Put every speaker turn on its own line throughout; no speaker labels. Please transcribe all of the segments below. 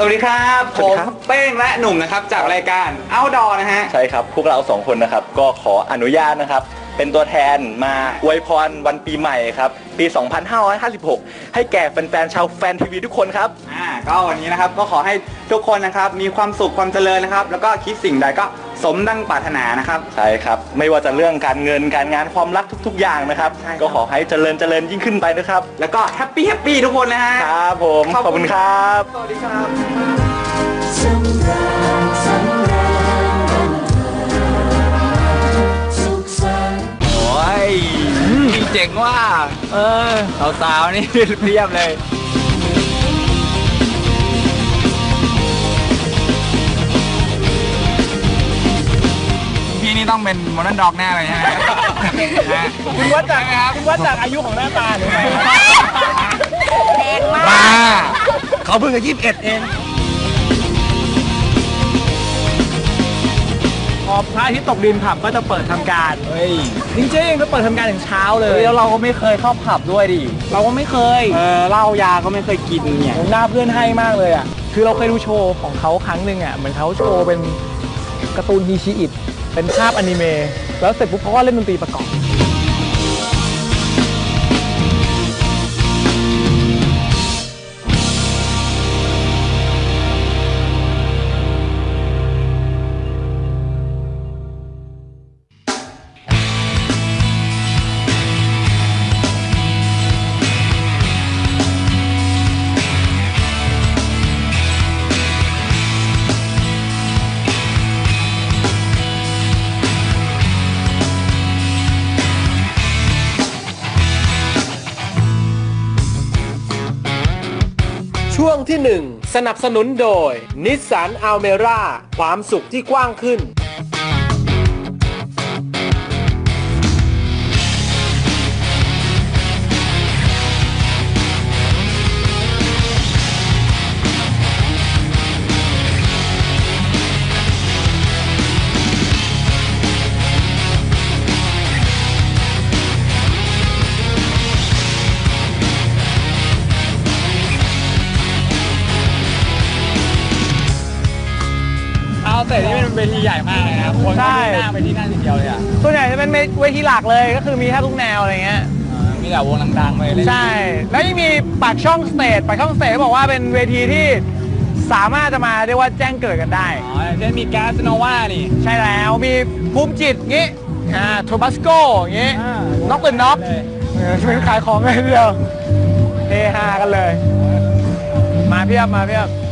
วัสดีครับผมเป้งและหนุ่มนะครับจากรายการ Outdoor นะฮะ
ใช่ครับพวกเรา2คนนะครับก็ขออนุญาตนะครับเป็นตัวแทนมาอวยพรวันปีใหม่ครับปี 2556 ให้แก่แฟนๆชาวแฟนทีวีทุกคนครับ
ก็วันนี้นะครับก็ขอให้ทุกคนนะครับมีความสุขความเจริญนะครับแล้วก็คิดสิ่งใดก็สมดังปรารถนานะครับ
ใช่ครับไม่ว่าจะเรื่องการเงินการงานความรักทุกๆอย่างนะครับก็ขอให้เจริญยิ่งขึ้นไปนะครับ
แล้วก็แฮปปี้ทุกคนนะฮะ
ครับผมขอบคุณครับ
สวัสดีครับ
โอ้ยเจ๋งว่าสาวๆนี่เพียบเลยพี่นี่ต้องเป็นโมเดิร์นด็อกแน่เลยฮะ
คุณวัดจากอายุของหน้าตาหรือไง
แรงมากเขาเพิ่งจะ21เอง
พอพระอาทิตย์ตกดินผับก็จะเปิดทำการจริงๆก็เปิดทำการถึงเช้าเลย
แล้วเราก็ไม่เคยเข้าผับด้วยดิ
เราก็ไม่เคย
เหล้ายาก็ไม่เคยกินเนี่ย
หน้าเพื่อนให้มากเลยอ่ะคือเราเคยดูโชว์ของเขาครั้งหนึ่งอ่ะเหมือนเขาโชว์เป็นการ์ตูนฮีชิอิตเป็นภาพอนิเมะแล้วเสร็จปุ๊บเขาก็เล่นดนตรีประกอบ
ช่วงที่ 1 สนับสนุนโดย Nissan Almera ความสุขที่กว้างขึ้น
แต่นี่เป็นเวทีใหญ่มากเลยนะครับคนก็หน้าไปที่นั่นทีเดียวเลยอ่ะส่วนใหญ่จะเป็นเวทีหลักเลยก็คือมีแทบทุกแนวอะไรเงี้ย
มีแต่วงดังๆเลย
ใช่แล้วยังมีปากช่องสเตจบอกว่าเป็นเวทีที่สามารถจะมาเรียกว่าแจ้งเกิดกันได้
เช่นมีแก๊สโนวานี่
ใช่แล้วมีภูมิจิตงี้โทบัสโกงี้น็อกเป็นน็อกเป็นขายของเลยเดียวเฮฮากันเลยมาเพียบ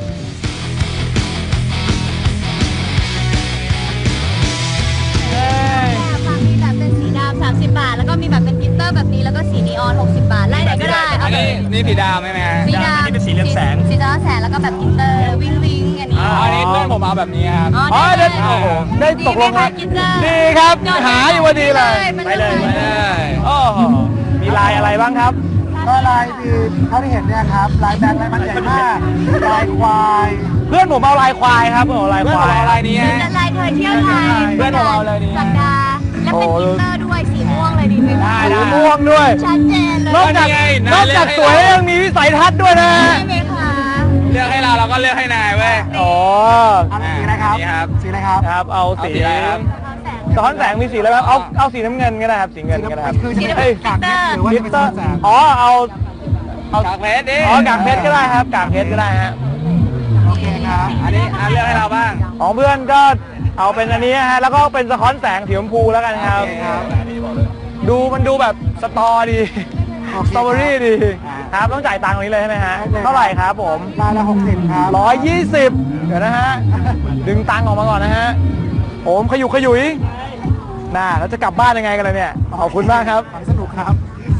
30 บาทแล้วก็มีแบบเป็นกลิตเตอร์แบบนี้แล้วก็สีนีออน60 บาทไล่ไหนก็ได้
อันนี้สีดำไหม
สีดำนี่เป็นสีเรืองแสงแล้วก็แบบกลิตเตอร์วิงอันนี้
อันนี้เพื่อนผมเอาแบบนี้ครับ
ได้ตกลงครับดีครับหาอยู่พอดีเลยไปเลยโอ้มีลายอะไรบ้างครับ
ก็ลายคือเท่าที่เห็นเนี่ยครับลายแบงค์ลายมันใหญ่มากลายควาย
เพื่อนผมเอาลายควายครับเอาลายควาย
ลายนี้
ลายเธอเที่ยวไทย
เพื่อนผมเอาลายนี้
สัปดาห์และเป็นกลิตเตอร์ด้วยสีม่วงเลยดีไหม
สีม่วงด้วย
ชัดเจนเลย
นอกจากสวยยังมีวิสัยทัศน์ด้วยนะ
ใช่ไหมคะ
เลือกให้เราก็เลือกให้นายเว้ย
อ๋อ
สีอะไรครับสีอะไร
ครับเอาสีสะท้อนแสงมีสีอะไรครับเอาสีน้ำเงินก็ได้ครับสีเงินก็ได้ครับ
คือจะเป็นกากเพชรหรือว่าจะเป็นสะท้อนแสง
เอา
กากเพชรดิ
กากเพชรก็ได้ครับกากเพชรก็ได้ฮะ
โอเคครับ
อันนี้เลือกให้เราบ้าง
ของเพื่อนก็เอาเป็นอันนี้ฮะแล้วก็เป็นสะท้อนแสงสีชมพูแล้วกันครับมันดูแบบสตอดีสตรอเบอรี่ดีครับต้องจ่ายตังค์ตรงนี้เลยใช่ไหมฮะเท่าไหร่ครับผม
ลายละ60ครับ
120เดี๋ยวนะฮะดึงตังค์ออกมาก่อนนะฮะผมขยุยน่าแล้วจะกลับบ้านยังไงกันเลยเนี่ยขอบคุณมากครับ
สนุกครับ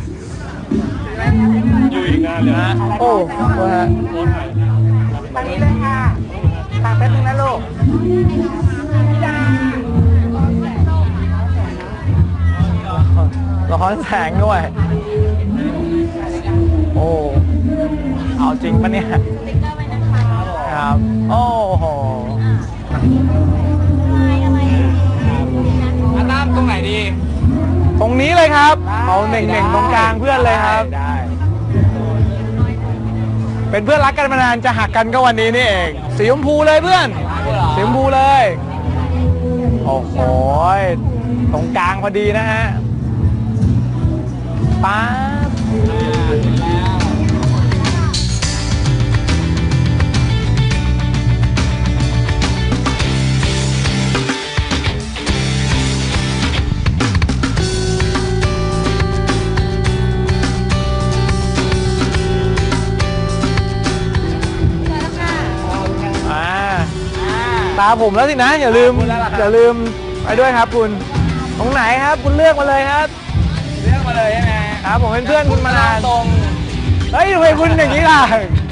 อยู่อีกนานเลยนะ
โอ้ฮะ
ทางนี้เลยค่ะตากแป๊บนึงนะลูก
สะท้อนแสงด้วยโอ้เอาจริงปะเนี่ยครับโอ้โห
ตั้มตรงไหนดี
ตรงนี้เลยครับเอาเน่งๆตรงกลางเพื่อนเลยครับเป็นเพื่อนรักกันมานานจะหักกันก็วันนี้นี่เองสีชมพูเลยเพื่อนสีชมพูเลย โอ้โหตรงกลางพอดีนะฮะป๊าบตาผมแล้วสินะอย่าลืมไปด้วยครับคุณตรงไหนครับคุณเลือกมาเลยครับเลือกมาเลยใช่ไหมครับผมเป็นเพื่อนคุณมานานตรงเฮ้ยทำไมคุณอย่างนี้ล่ะ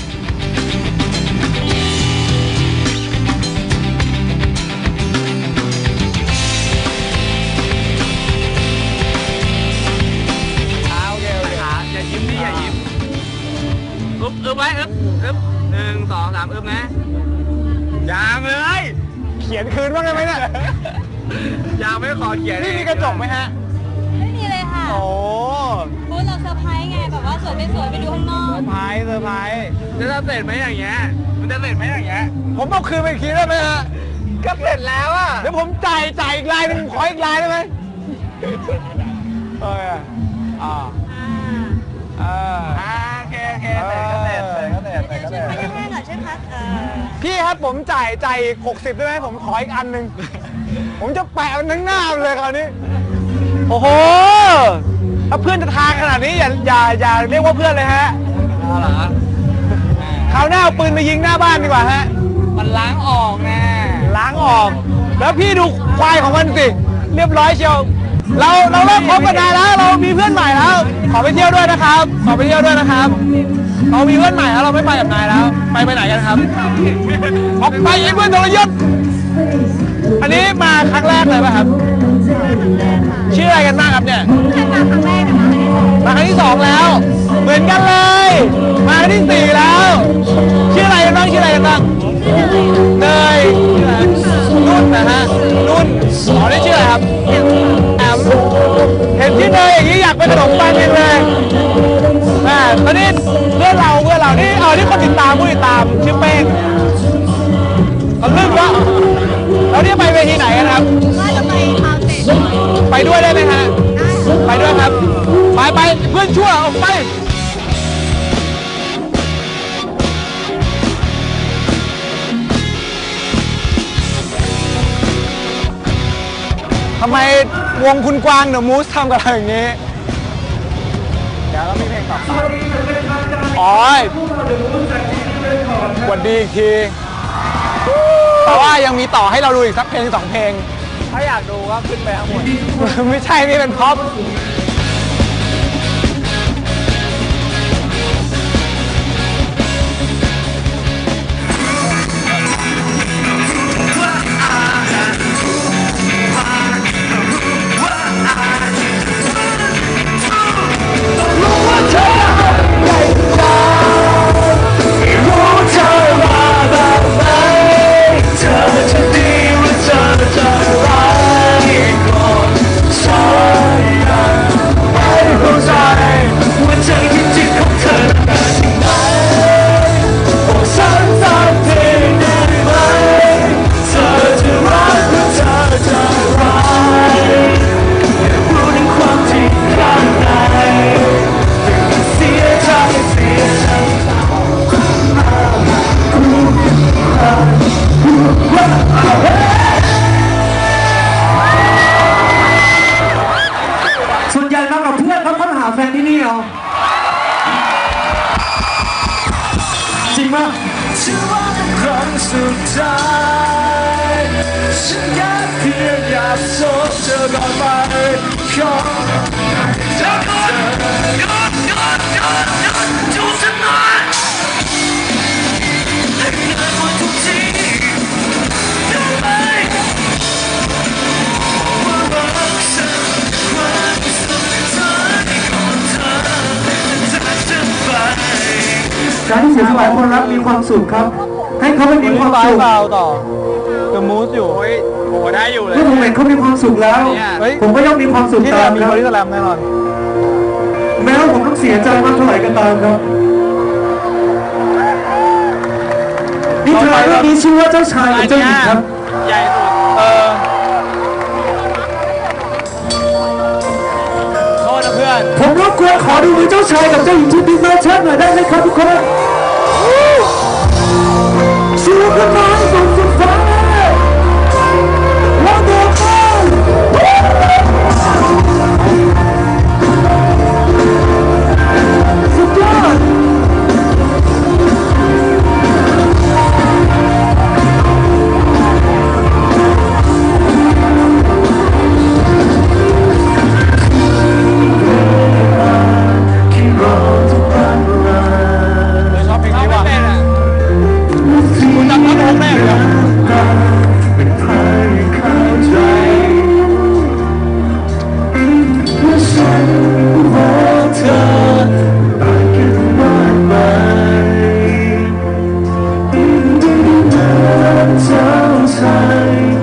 โอเคอย่ายิ้มนี่อย่ายิ้มอึ๊บไว้อึ๊บ1 2 3อึ๊บนะยังเลยเขียนคืนบ้างได้ไหมเนี่ยยังไม่ขอเขียนนี่มีกระจกไหมฮะ
ไม่มีเลยค่ะ
โอ้
พูดเราเซอร์ไพรส์ไงแบบว่าสวยไม่สวยไปดูข้างนอก
เซอร์ไพรส์จะเสร็จไหมอย่างเงี้ยมันจะเสร็จไหมอย่างเงี้ยผมเอาคืนไปอีกทีได้ไหมฮะก็เสร็จแล้วอ่ะเดี๋ยวผมจ่ายอีกลายหนึ่งขออีกลายได้ไหมโอเคโอเค
ช่วยพัฒนาหน่อยช่วยพัฒ
พี่ครับผมจ่าย60ได้ไหมผมขออีกอันหนึ่งผมจะแปะมันทั้งหน้าเลยคราวนี้โอ้โหถ้าเพื่อนจะทางขนาดนี้อย่าเรียกว่าเพื่อนเลยฮะเหรอคราวหน้าเอาปืนมายิงหน้าบ้านดีกว่าฮะมันล้างออกนะล้างออกแล้วพี่ดูควายของมันสิเรียบร้อยเชียวเราเลิกคบกันนานแล้วเรามีเพื่อนใหม่แล้วขอไปเที่ยวด้วยนะครับเรามีเพื่อนใหม่แล้วเราไม่ไปกับนายแล้วไปไหนกันครับออกไปไอ้เพื่อนทรยศอันนี้มาครั้งแรกเลยป่ะครับชื่ออะไรกันบ้างครับเนี่ยมาครั้งที่2แล้วเหมือนกันเลยมาครั้งที่4แล้วชื่ออะไรกันบ้างเนยนุ่นนะฮะนุ่นอ๋อนี่ชื่ออะไรครับแอมเห็นที่เนยอย่างนี้อยากเป็นขนมปังเลยตอนนี้เพื่อนเรานี่นี่คนติดตามผู้ติดตามชื่อเป้งเขาลืมว่าแล้วนี่ไปเวทีไหนกันครับ
ว่าจะไปคาวเซ็ต
ไปด้วยได้ไหมฮะไปด้วยครับไปเพื่อนชั่วออกไปทำไมวงคุณกวางเดอะมูสทำกับเราอย่างนี้เดี๋ยวเรามีเพลงต่อไปอ๋อสวัสดีอีกทีแต่ว่ายังมีต่อให้เราดูอีกสักเพลง2 เพลงถ้าอยากดูก็ขึ้นไปข้างบนไม่ใช่นี่เป็นพ็อปจริงมากครั้งสุดท้ายฉันแค่เพียงอยากพบเธอก่อนไปขอเธอก่อนจูบฉันหน่อยให้เธอคนทุกทีได้ไหมว่ารักฉันความสุดท้ายของเธอจากฉันไป
การที่เสียสละคนรักมีความสุขครับให้เขาไม่มีความสุข
ต่อThe Moose อยู่โอ้ได้อยู่เลย
เมื่อผมเห็นเขามีความสุขแล้วผมก็ย่อมมีความสุขตาม
มีบริษัทแรมแน่นอน
แม้ว่าผมต้องเสียใจมากเท่าไหร่ก็ตามครับนิทานเรื่องนี้ชื่อว่าเจ้าชายกับเจ้าหญิงครับ
ใหญ่สุดโทษนะเพื่อน
ผมรบกวนขอดูมือเจ้าชายกับเจ้าหญิงที่บิ๊กแมนชั่นหน่อยได้ไหมครับทุกคนชูขึ้นมาให้สูงสุดฟ้าแล้วโดดมาสุดยอด
ชอบเพลงนี้ว่ะคุณจำท่อนฮุกได้เหรอ
เจ้าชาย